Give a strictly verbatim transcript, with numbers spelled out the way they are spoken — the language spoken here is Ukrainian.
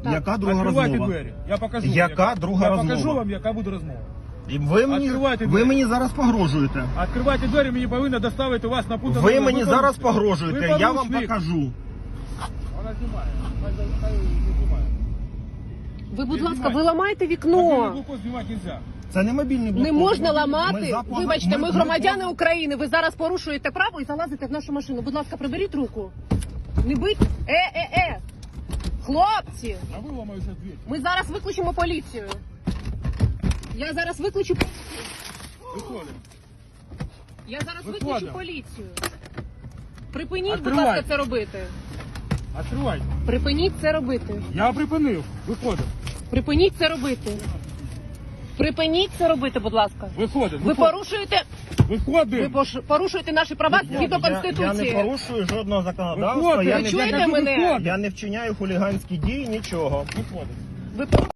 Так. Яка друга Відкривайте розмова? двері. Я покажу. Яка вам, друга я розмова? покажу вам, яка буде розмова. І ви мені, Відкривайте ви двері. мені зараз погрожуєте. Відкривайте двері, мені повинно доставити вас на пункт. Ви мені ви зараз порушник. погрожуєте, Ви я вам порушник. покажу. Вона знімає. Хай- хай не знімає. Ви, будь Не ласка, знімайте. ви ламаєте Мобільний вікно. блокпост знімати нельзя. Це не мобільний блокпост. Не можна Ми ламати. за пога- Вибачте, ми ми- громадяни ми- України. Ви зараз порушуєте право і залазите в нашу машину. Будь ласка, приберіть руку. Не бить. Е-е-е. Хлопці, А ви ламаєте двері. ми зараз викличемо поліцію. Я зараз викличу. Виходимо. Я зараз Виходимо. викличу поліцію. Припиніть, будь Відкривайте. ласка, це робити. Відкривайте. Припиніть це робити. Я припинив. Виходимо. Припиніть це робити. Припиніть це робити, будь ласка. Виходимо. Ви порушуєте, ви Виходимо. пош- порушуєте наші права Я, згідно я, я не Конституції. порушую жодного законодавства, Виходимо. я Ви не, чуєте кажу, мене? виходимо. я не вчиняю хуліганські дії, нічого. Виходимо. Ви